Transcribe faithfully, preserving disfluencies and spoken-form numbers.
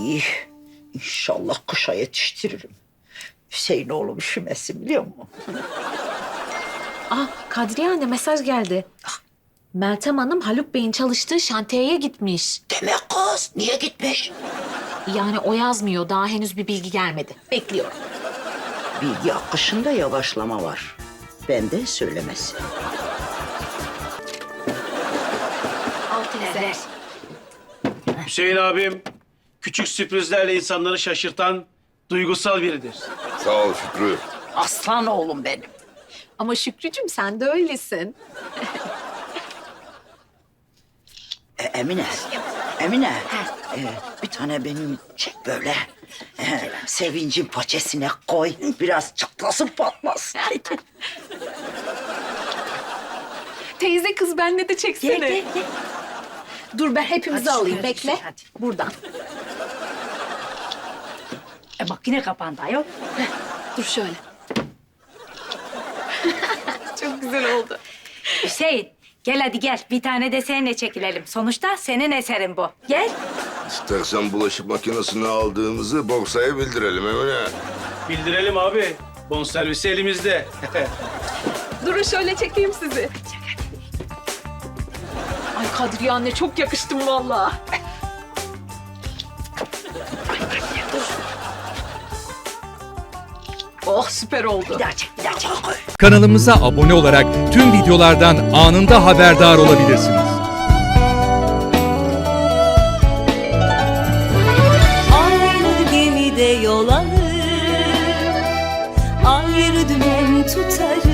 İyi. İnşallah kışa yetiştiririm. Hüseyin oğlum üşümesin biliyor musun? Ah Kadriye anne mesaj geldi. Meltem Hanım Haluk Bey'in çalıştığı şantiyeye gitmiş. Demek kız niye gitmiş? Yani o yazmıyor. Daha henüz bir bilgi gelmedi. Bekliyorum. Bilgi akışında yavaşlama var. Ben de söylemesi. Altı evet. Hüseyin abim küçük sürprizlerle insanları şaşırtan duygusal biridir. Sağ ol Şükrü. Aslan oğlum benim. Ama Şükrücüğüm sen de öylesin. E, Emine. Emine. e, bir tane benim çek böyle. E, sevincin paçesine koy. Biraz çatlasın patlasın. Teyze kız benle de çeksene. Gel, gel, gel. Dur ben hepimizi Hadi alayım. şöyle, Bekle. hadi. Buradan. E bak yine kapandı ayol. Dur şöyle. Çok güzel oldu. Hüseyin gel hadi gel. Bir tane de seninle çekilelim. Sonuçta senin eserin bu. Gel. İstersen bulaşık makinesini aldığımızı borsaya bildirelim Emine. Bildirelim abi. Bonservisi elimizde. Durun şöyle çekeyim sizi. Ay Kadriye anne çok yakıştım vallahi. Oh süper oldu. Bir daha çek, bir daha çek. Koy. Kanalımıza abone olarak tüm videolardan anında haberdar olabilirsiniz. Aynı gemide yol alır, ayrı dümen tutarız.